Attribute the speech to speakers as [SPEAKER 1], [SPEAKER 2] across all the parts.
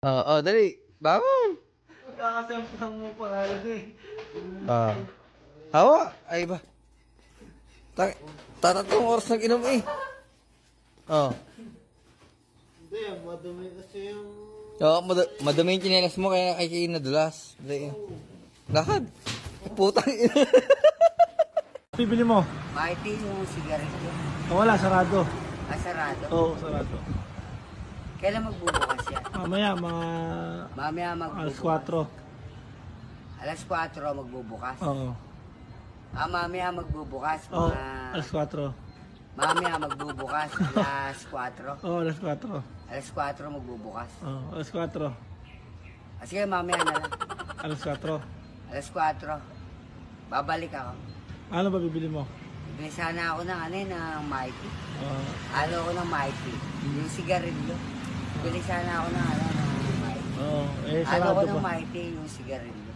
[SPEAKER 1] Oo, dali. Bangon.
[SPEAKER 2] Kakasampang mo pangalan eh.
[SPEAKER 1] Ah. Hawa. Ay ba? Tatatlong oras nag-inom eh. Oh.
[SPEAKER 2] Hindi, madumi kasi yung...
[SPEAKER 1] Oo, madami yung chinelas mo kaya kay nadulas. Dali. Lakad. Putang ina.
[SPEAKER 2] Bibili mo?
[SPEAKER 3] Mighty yung sigarilyo.
[SPEAKER 2] Wala, sarado.
[SPEAKER 3] Sarado.
[SPEAKER 2] Oo, sarado.
[SPEAKER 3] Kailan magbubukas yan?
[SPEAKER 2] Mamaya, mga
[SPEAKER 3] Mamaya
[SPEAKER 2] alas
[SPEAKER 3] magbubukas.
[SPEAKER 2] 4.
[SPEAKER 3] Alas 4 magbubukas.
[SPEAKER 2] Oo.
[SPEAKER 3] Mamaya magbubukas.
[SPEAKER 2] Oo,
[SPEAKER 3] Mga...
[SPEAKER 2] alas 4.
[SPEAKER 3] Mamaya magbubukas. Alas 4.
[SPEAKER 2] Oo, alas 4.
[SPEAKER 3] Alas 4 magbubukas.
[SPEAKER 2] Oo, alas 4.
[SPEAKER 3] Sige, mamaya na lang.
[SPEAKER 2] Alas 4.
[SPEAKER 3] Alas 4. Babalik ako.
[SPEAKER 2] Ano ba bibili mo?
[SPEAKER 3] Bibili sana ako ng ano eh, ng Mighty.
[SPEAKER 2] Oo.
[SPEAKER 3] Ano ako ng Mighty? Yung sigarilyo. Bibili sana ako ng ano, ng Mighty.
[SPEAKER 2] Oo, eh,
[SPEAKER 3] Ano
[SPEAKER 2] sarado
[SPEAKER 3] ko ng
[SPEAKER 2] pa.
[SPEAKER 3] Mighty, yung sigarilyo.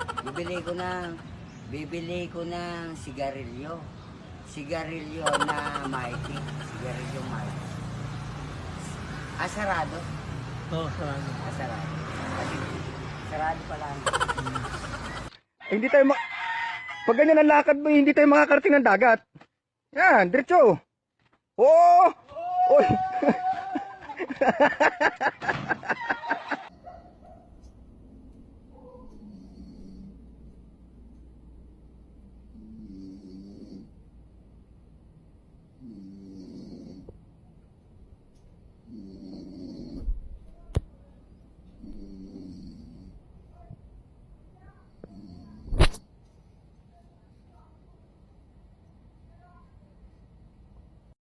[SPEAKER 3] Bibili ko ng sigarilyo. Sigarilyo na Mighty. Sigarilyo Mighty. Sarado.
[SPEAKER 2] Oo, sarado.
[SPEAKER 3] Sarado. Kasi, sarado pala.
[SPEAKER 4] Hindi tayo pag ganyan ang lakad mo, hindi tayo makakarating ng dagat. Yan, diretso. Oo! Oy!